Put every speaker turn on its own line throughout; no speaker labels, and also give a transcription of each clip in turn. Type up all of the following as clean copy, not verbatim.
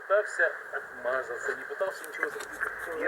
пытался отмазаться, не пытался ничего сделать.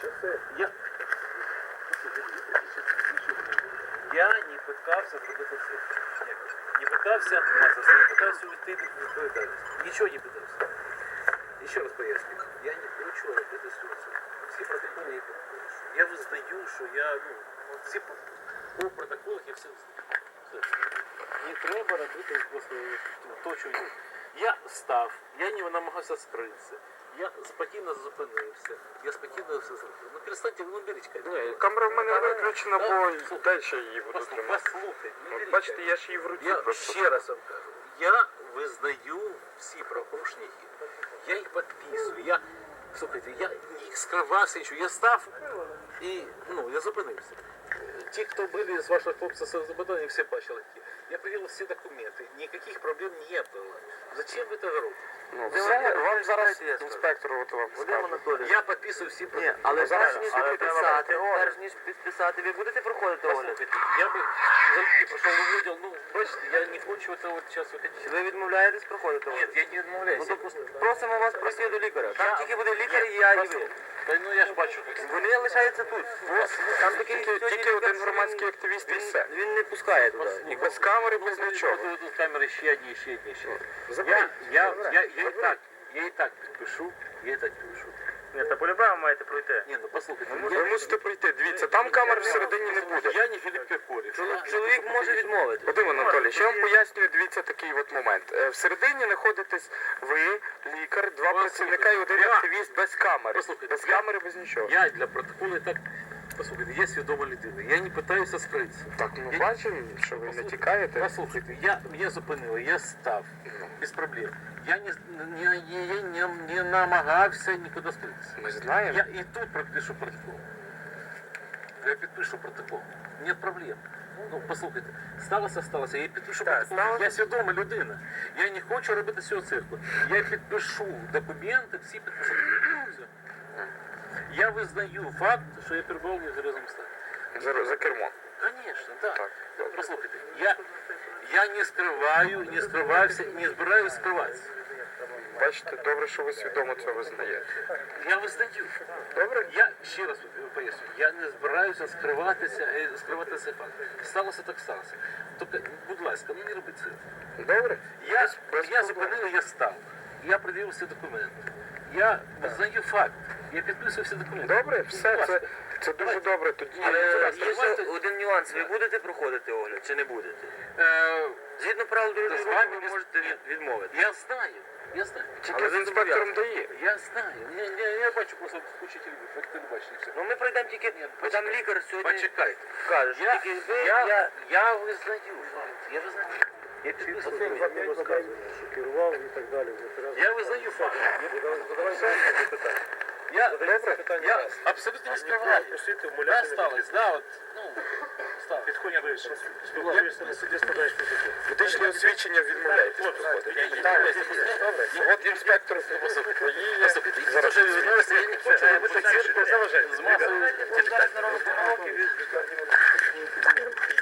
Я не пытався зробити це. Не пытався отмазаться, не пытався уйти від відповідальності. Нічого не пытався. Еще раз поясню. Я не хочу робити ситуацію. Всі протоколи я підпишу. Я визнаю, що я, всі по протоколах я все визнаю. Не треба робити просто то, що я став, я не намагався скритися. Я спокійно зупинився, я спокійно все зробив. Ну перестаньте, ну беріть камеру.
Камера в мене виключена, бо далі її буду тримати.
Послухайте,
От бачите, я ж її в руці
я
просто.
ще раз вам кажу, я визнаю всі правопорушники, я їх підписую, слухайте, я не скривався нічого, я став і, я зупинився. Ті, хто були з ваших хлопців з запитання, всі бачили. Я привел всі документи, ніяких проблем не було. Зачем ви це робите?
Вам зараз інспектор от вам скаже.
Я підписую всі протоколи.
Але
зараз
перш ніж
але
підписати,
треба
перш ніж підписати, ви будете проходити огляд?
Послухайте, я би залюбки пройшов увидел, бачите, я не хочу це от зараз виходити.
Ви відмовляєтесь проходити
Ні,
огляд?
я не відмовляюся.
Ну, то просимо вас пройти до лікаря. Там тільки буде лікар і я, і ви.
Я ж бачу, як
Вони лишаються тут. Там такий
Тільки один громадський активіст і все.
Він не пускає туди.
І без камери, без нічого.
Тут камери ще одні.
Заберіть.
Я і так підпишу,
Ні, та по-любому маєте пройти.
Ні, послухайте,
Ви мусите пройти. Дивіться, там камер всередині не буде.
я не Філіп Киркорів.
Чоловік може відмовити.
Вадим Анатолійович, я вам пояснюю, дивіться такий от момент. Всередині знаходитесь ви, лікар, два працівника і один активіст без камери.
Послухайте,
Без камери, без нічого.
Я для протоколу і так, послухайте, я свідома людина, я не питаюся скритися.
Так, ми бачимо, що ви не тікаєте.
Послухайте, меня зупинили, я став, без проблем. Я не намагався нікуди скритися.
Ми знаємо.
Я і тут підпишу протокол. Я підпишу протокол. Нет проблем. Послухайте, сталося, я підпишу протокол. Я свідома людина. Я не хочу робити цього цирку. Я підпишу документи, всі підпишу. Все. Я визнаю факт, що я перебував в нетверезому стані.
За кермом.
Конечно, да.
Так.
Послухайте, я не скриваю, не скривався, не збираюсь скриватися.
Бачите, добре, що ви свідомо це визнаєте.
Я визнаю.
Добре?
Я ще раз поясню, я не збираюся скривати цей факт. Сталося так сталося. Тільки, будь ласка, не робіть це.
Добре?
Я зупинив, я став. Я пред'явив всі документи. Я визнаю факт. Я підписую всі документи.
Добре, все, це дуже добре. Тоді
Але є ще один нюанс. Ви будете проходити огляд чи не будете? Згідно правил дорожнього руху ви можете відмовити.
Я знаю.
тільки з інспектором дає.
Я знаю. Я бачу просто кучу телевізорів, як телебачення. Все.
Ну ми пройдемо тільки, там лікар сьогодні
Почекайте.
каже, що тільки ви,
Я визнаю факт. Я визнаю. Я підписую.
Керував і так далі.
Я визнаю факт. Я абсолютно не скриваю. Да, сталося, да, от, сталося.
Підходять до спілкуєшся на суді, складаєш протокол.
Медичне освідчення відмовляєтесь проходити. От інспектор приїде.
Послухайте, я дуже відмовився, я не хочу робити цирку з масою.